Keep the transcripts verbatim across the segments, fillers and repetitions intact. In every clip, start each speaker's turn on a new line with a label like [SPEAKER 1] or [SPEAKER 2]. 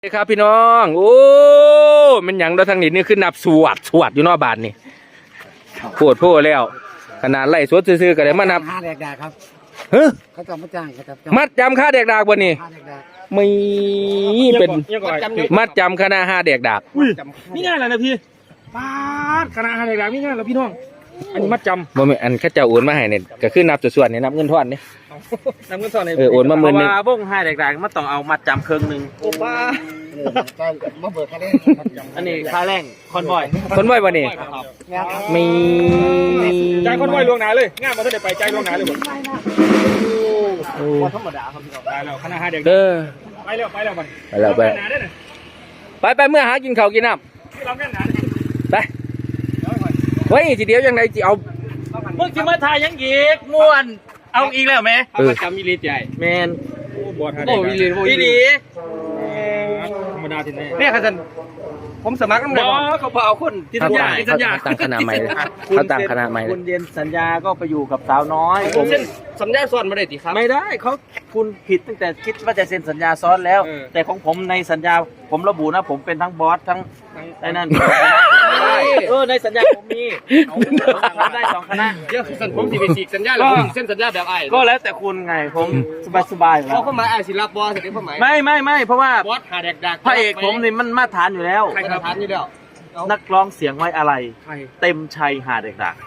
[SPEAKER 1] สวัสดีครับพี่น้องโอ้มันหยังเราทางนี้นี่ขึ้นนับสวดสวดอยู่นอกบ้านนี่ปวดโพ่แล้วขนาดไล่สวดซื้อๆกันเลยมานับ
[SPEAKER 2] ค่าแดกดาครับ
[SPEAKER 1] เฮ้ย
[SPEAKER 2] เขาจะมาจ้างเขาจะ
[SPEAKER 1] มัดจำค่าแดกดากบ่นี่
[SPEAKER 2] ค่าแดกดา
[SPEAKER 1] ไม่เป็นมัดจำคณะห้าแดกดาก
[SPEAKER 3] นี่ง่ายเลยนะพี่ป้าคณะห้าแดกดากนี่ง่ายเลยพี่น้องอันนี้มัดจำ
[SPEAKER 1] บ่แม่นอันข้าเจ้าโอนมาให้เนี่ยก็คือนับส่วนๆเนี่ยนับเงินทอนนี่
[SPEAKER 3] นับเงินทอนเนี่ย
[SPEAKER 1] เออโอนมาหมื่นนึง
[SPEAKER 3] ว่าวงห้าแดกดากมันต้องเอามัดจำครึ่งนึงโอ้ป้า
[SPEAKER 2] ใจมาเบิกค่าแรง
[SPEAKER 3] อันนี้ค่าแรงคอนบอย
[SPEAKER 1] คอนบอยบ่นี่มี
[SPEAKER 3] ใจคอนบอยล่วงหน้าเลยงานมาเท่าไหร่ไปใจล่วงหน้าเลยหมดโอ้ธรรมดาครับพี่น้องไปแล้วคณะห้าแดกดากไปแล้วไปแล้วไป
[SPEAKER 1] ไปแล้วไปไปไปเมื่อหากินข้าวกินน้ำไปเฮ้ยทีเดียวยังไงจะเอา
[SPEAKER 3] มึงจะมาถ่ายยังอีกม่วนเอาอีกแล้วไหมเอามาจำมิลิใจแมนโอ้บอสโอ้มิลิมิลิธรรมดาทีนี้เนี่ยครับท่านผมสมัครน้ำหนักเขาพอเอาคนที่สัญญาที่สัญญา
[SPEAKER 1] ตั้งคณะใหม่เขาตั้งคณะใหม่
[SPEAKER 3] คุณเรียนสัญญาก็ไปอยู่กับสาวน้อยผมเซ็นสัญญาซ้อนไม่ได้ติครับไม่ได้เขาคุณผิดตั้งแต่คิดว่าจะเซ็นสัญญาซ้อนแล้วแต่ของผมในสัญญาผมระบุนะผมเป็นทั้งบอสทั้งไอ้นั่นเออในสัญญาผมมีผมได้สองคณะเดี๋ยวผมสิไปฉีกสัญญาแล้วผมเซ็นสัญญาแบบไอ้ก็แล้วแต่คุณไงผมสบายสบายเขาเข้ามาไอ้ศิลปบอสเสร็จเขาหมายไม่ไม่ไม่เพราะว่าบอสหาแดกดักพระเอกผมนี่มันมาตรฐานอยู่แล้วใครมาตรฐานอยู่แล้วนักร้องเสียงไว้อะไรเต็มชัยหาแดกดัก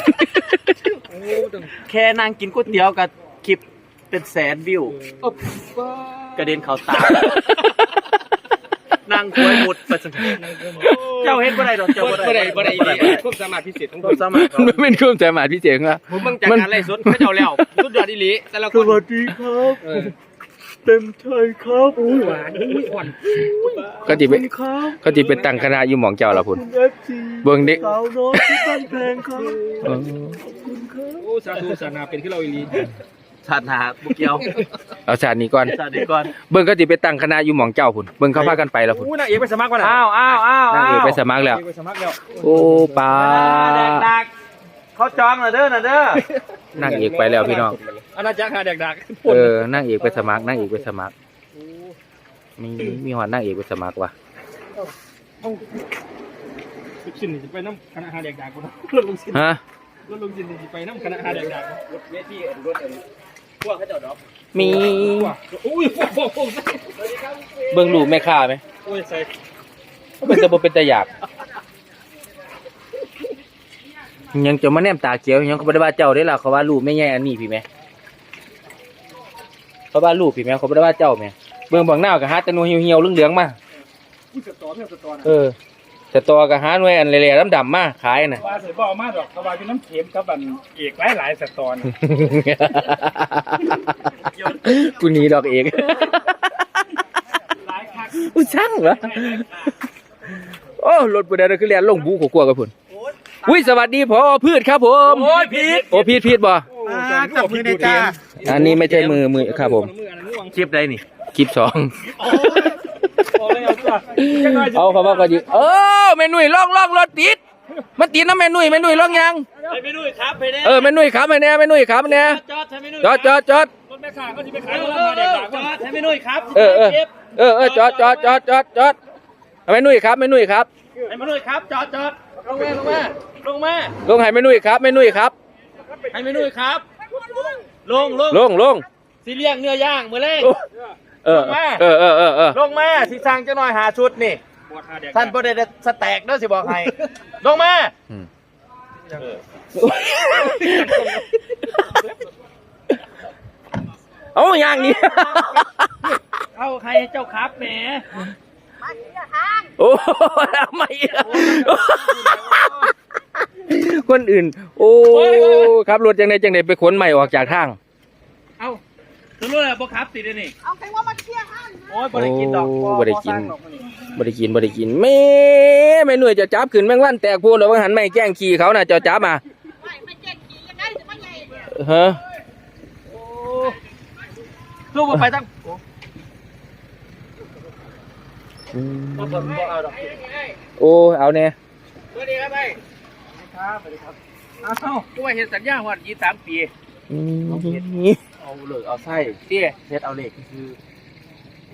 [SPEAKER 3] แค่นั่งกินก๋วยเตี๋ยวกับคลิปเป็นแสนวิวกระเด็นเข่าตานั่งคุยหมดประจันเจ้าเห็นบ่ได้ดอกเจ้าบ่ได้บ่ได้บ่ได้ความสามารถพิเศษของผมสามารถ
[SPEAKER 1] มันเป็นความสามารถพิเศษครับ
[SPEAKER 3] ผมมึงจากการไล่สดเขาเจ้าแล้วสุดยอดอีหลีแต่ละคนสวัสดีครับเต็มใจครับอุ้ยหวานอุ้ยอ่อน
[SPEAKER 1] เขาจีเป็นเขาจีเป็นตั้งคณะอยู่หม่องเจ้าละพุ่นเบิ่งเด็ก
[SPEAKER 3] สาวน้อยที่บ้านแพงครับขอบคุณครับโอ้สาธุสานาเป็นที่เราอีหลีชาติหนาบุกเกียว
[SPEAKER 1] เอาชาตินี้ก่อน
[SPEAKER 3] ชาตินี้ก่อน
[SPEAKER 1] เบิ่งก็สิไปตั้งคณะอยู่หม่องเจ้าพุ่นเบิ่งเขาพากันไปแล้วพุ่น
[SPEAKER 3] อู้นางเอกไปสมัครก่อนอ้าวอ้าวอ้าวนาง
[SPEAKER 1] เอกไปสมัครแล้วโอ้ป้า
[SPEAKER 3] เขาจองน่ะเด้อน่ะเด้
[SPEAKER 1] อนางเอกไปแล้วพี่น้อง
[SPEAKER 3] อาณาจักรหาแดกดัก
[SPEAKER 1] เออนางเอกไปสมัครนางเอกไปสมัครมีมีหอดนางเอกไปสมัครว่ะ
[SPEAKER 3] ลูกชิ้นนี่ไปน้ำคณะหาแดกดักกูนะลูกชิ้น
[SPEAKER 1] ฮะ
[SPEAKER 3] ลูกชิ้นนี่ไปน้ำคณะหาแดกดักเวทีรถพวกเขาเจ้าดอก
[SPEAKER 1] มี
[SPEAKER 3] อุ้ยพวกพวก
[SPEAKER 1] เบิ่งรูปแม่ค้าไหม
[SPEAKER 3] โอ้ยใส่
[SPEAKER 1] เป็นตะบเป็นตะหยาบยังจะมาแนมตาเขียวยังเขาไม่ได้ว่าเจ้าได้ล่ะเขาว่ารูปไม่แย่อันนี้พี่แม่เขาว่ารูปพี่แม่เขาไม่ได้ว่าเจ้าแม่เบิ่งบางหน้ากับฮาตะนูเหี่ยวๆเหลืองๆมาเออแต่ตัวกับฮาหน่วยอันเละๆดำๆมาขายน่ะ
[SPEAKER 3] ว่าใส่บ่อมาดอกเขาว่าเป็นน้ำเค็มกับอันเอกหลายๆสตอน
[SPEAKER 1] กูหนีดอกเอกกูช่างเหรอโอ้รถปูเดนคือเรียนลงบู๊กลัวกับพุ่นอุ้ยสวัสดีพอพืชครับผม
[SPEAKER 3] โอ้ยพีด
[SPEAKER 1] โอ้พีดพีดบ่
[SPEAKER 2] จับมือในจ้า
[SPEAKER 1] อันนี้ไม่ใช่มือมือครับผม
[SPEAKER 3] คลิปใดนี่
[SPEAKER 1] คลิปสองเอาเขาบอกก็ดีเออแม่นุ่ยล่องล่องรถติดมันติดนะแม่นุ่ยแม่นุ่ยล่องยัง
[SPEAKER 3] แม่นุ่ยครับไปแน่
[SPEAKER 1] เออแม่นุ่ยขับไปแน่แม่นุ่ยขับไปแน่
[SPEAKER 3] จอดให้แม่นุ่ย
[SPEAKER 1] จอดจอดจอด
[SPEAKER 3] รถแม่ข้าก็จะไปขายรถมาเด็กจอดให้แม่นุ่ยครับ
[SPEAKER 1] เออเออเออเออจอดจอดจอดจอดจอดแม่นุ่ยครับแม่นุ่ยครับ
[SPEAKER 3] ให้แม่นุ่ยครับจอดจอดลงมาลงมาลงมา
[SPEAKER 1] ลงให้แม่นุ่ยครับแม่นุ่ยครับ
[SPEAKER 3] ให้แม่นุ่ยครับลงลง
[SPEAKER 1] ลงลง
[SPEAKER 3] สิเลี้ยงเนื้อย่างมื้อแรก
[SPEAKER 1] เออเออเออเออเออ
[SPEAKER 3] ลงมาสิสั่งจะหน่อยหาชุดนี่ท่านบ่ได้สแต็กเด้อสิบอกให้ลงมา
[SPEAKER 1] เอาอย่างนี้
[SPEAKER 3] เอาใครเจ้าครับแหม
[SPEAKER 1] มาเสียทางโอ้ไม่คนอื่นโอ้ครับรถจังไดจังไดไปขนใหม่ออกจากทาง
[SPEAKER 3] เอาคือรถอะไรบ่ครับติดนี่
[SPEAKER 2] เอาใครว่ามาเที่ยห้าง
[SPEAKER 3] โอ้ยบ่ได้กินดอก
[SPEAKER 1] บ่ได้กินบ่ได้กินบ่ได้กินแม่แม่หน่วยจะจับขึ้นแมงวันแตกพูดแล้วว่าหันไม่แกล้งขี่เขาน่ะจะจับมา
[SPEAKER 2] ไม่ไม่แกล้งขี่ยังไงจะมาใหญ่
[SPEAKER 1] ฮะ
[SPEAKER 3] โอ้ลูกไปตั้ง
[SPEAKER 1] โอ้เอาเนี่ย
[SPEAKER 3] สวัสดีครับไปครับสวัสดีครับอ้าวกูไปเห็นสัญญาว่ายี่สามปีเอาเลยเอาไส้เตี้ยเซ็ตเอาเหล็กคือโ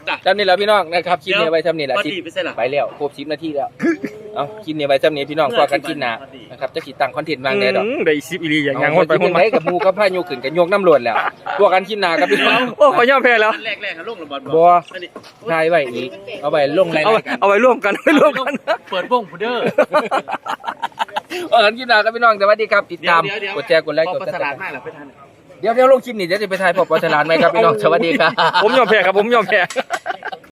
[SPEAKER 1] จำนี่แหละพี่น้องนะครับคลิปนี้ไว้จำนี่แหละสิไปแล้วครบสิบนาทีแล้วเอาคลิปนี้ไว้จำนี้พี่น้องพอกันกินหนานะครับจะขีดตังคอนเทนต์วางแน่ดอก
[SPEAKER 2] ได้สิบอีหลีอย่างยัง
[SPEAKER 1] คนไปคนไปกับมูกับพายุขึ้นกับโยกน้ำรวดแล้วพวกกันกินหนากับพี่น้อง
[SPEAKER 2] โอ้ขอย่อมแพ้แล้ว
[SPEAKER 3] แรกๆเขาลงระบอล
[SPEAKER 1] บัวทายไว้อีกเอาไว้ลงราย
[SPEAKER 2] เอา
[SPEAKER 1] การกัน
[SPEAKER 2] เอาไว้ร่วมกันไว้ร่วมกัน
[SPEAKER 3] เปิดวงพูเดอร์
[SPEAKER 1] เออกันกินหนากับพี่น้องสวัสดีครับติดตามกดแชร์กดไลค์กดติดตาม
[SPEAKER 3] มากหรอไปทัน
[SPEAKER 1] เดี๋ยวเดี๋ยวลงคลิปนี้เดี๋ยวจะไปถ่ายพอปอฉลาดไหมครับพี่น้องสวัสดีครับ
[SPEAKER 2] ผมยอมแพ้ครับผมยอมแพ้